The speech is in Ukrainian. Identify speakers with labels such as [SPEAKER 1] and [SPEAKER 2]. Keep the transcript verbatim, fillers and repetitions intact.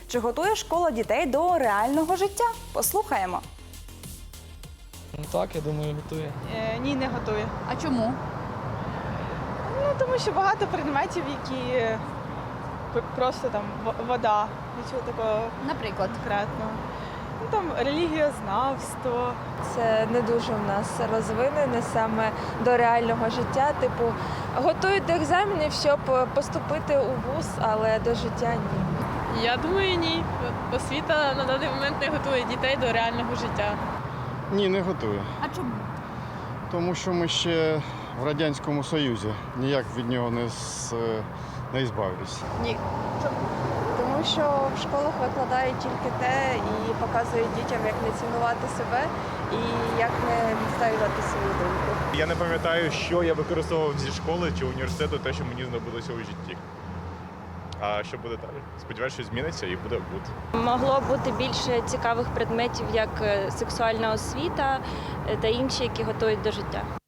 [SPEAKER 1] Чи готує школа дітей до реального життя? Послухаємо.
[SPEAKER 2] Ну так, я думаю, готує.
[SPEAKER 3] Е, ні, не готує.
[SPEAKER 4] А чому?
[SPEAKER 3] Ну, тому що багато предметів, які е, п- просто там в- вода, нічого такого
[SPEAKER 4] Наприклад.
[SPEAKER 3] конкретного. Ну, там релігієзнавство.
[SPEAKER 5] Це не дуже в нас розвинене саме до реального життя. Типу, готують до екзаменів, щоб поступити у вуз, але до життя ні.
[SPEAKER 6] Я думаю, ні. Освіта на даний момент не готує дітей до реального життя.
[SPEAKER 7] Ні, не готує.
[SPEAKER 4] А чому?
[SPEAKER 7] Тому що ми ще в Радянському Союзі ніяк від нього не, з, не збавились.
[SPEAKER 5] Тому що в школах викладають тільки те і показують дітям, як не цінувати себе і як не відстоювати свою думку.
[SPEAKER 8] Я не пам'ятаю, що я використовував зі школи чи університету, те, що мені знадобилося у житті. А що буде далі? Сподіваюся, що зміниться і буде гуд.
[SPEAKER 9] Могло бути більше цікавих предметів, як е, сексуальна освіта е, та інші, які готують до життя.